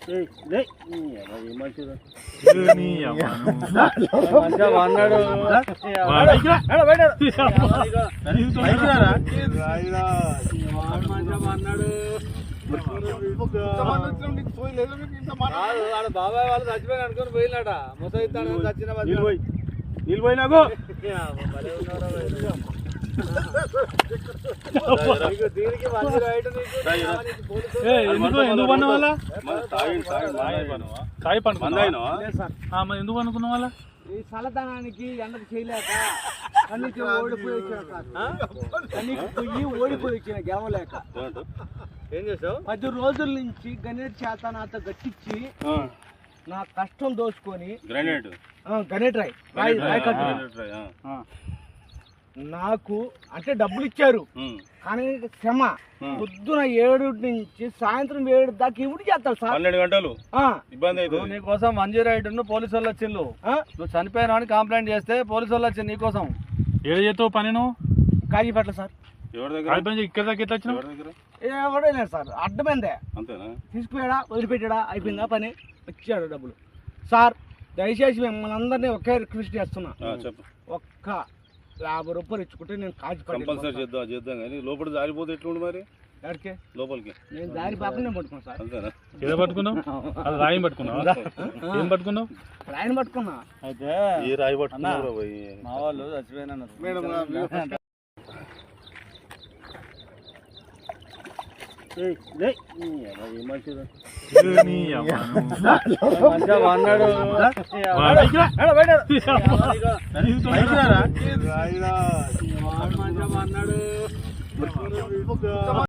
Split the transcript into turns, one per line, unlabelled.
అన్నాడు బాబాయ్ వాళ్ళు చచ్చిపోయిన అనుకుని పోయినాట ముసైతాను చచ్చిన
నిలిపోయినాకు
దీనికి
ఎందుకు పన్న వాళ్ళ ఎందుకు అనుకున్న వాళ్ళ
ఈ చల్లదనానికి ఎండకు చేయలేక కన్నీకి ఓడిపోయి వచ్చిన కన్నీకి పోయి ఓడిపోయి వచ్చిన గెలవలేక ఏం చేసావు 10 రోజుల నుంచి గణేట్ చేత నాతో గట్టించి నా కష్టం దోచుకొని గణేట్ రాయ్ నాకు అంటే డబ్బులు ఇచ్చారు కానీ శ్రమ పొద్దున 7 నుంచి సాయంత్రం 7 దాకా ఇవి చేస్తారు సార్
12 గంటలు ఇబ్బంది అవుతుంది
నీకోసం 108 పోలీసు వాళ్ళు వచ్చిండు నువ్వు చనిపోయినా అని కంప్లైంట్ చేస్తే పోలీసు వాళ్ళు వచ్చింది నీకోసం
ఏదో చేస్తావు పని నువ్వు
కాజీపేట సార్
ఇక్కడ దాకా ఎట్లా వచ్చినావు
ఎవడో లేదు సార్ అడ్డమైందే
అంతేనా
తీసుకుపోయాడా వదిలిపెట్టాడా అయిపోయిందా పని వచ్చాడు డబ్బులు సార్ దయచేసి మిమ్మల్ని అందరినీ ఒకే రిక్వెస్ట్ చేస్తున్నా ఒక్క 50 రూపాయలు ఇచ్చుకుంటే నేను
కంపల్సరీ చేద్దాం కానీ లోపల జారిపోతే ఎట్లుండి మరి
ఎక్కడికి
లోపలికి
నేను దారి పాపనే పట్టుకున్నాను సార్
అంతేనా ఏదో పట్టుకున్నావు అది రాయి పట్టుకున్నావు ఏం పట్టుకున్నావు
రాయిని పట్టుకున్నా
అయితే ఈ రాయి పట్టుకున్నావు
మా వాళ్ళు చచ్చిపోయినా అన్నాడు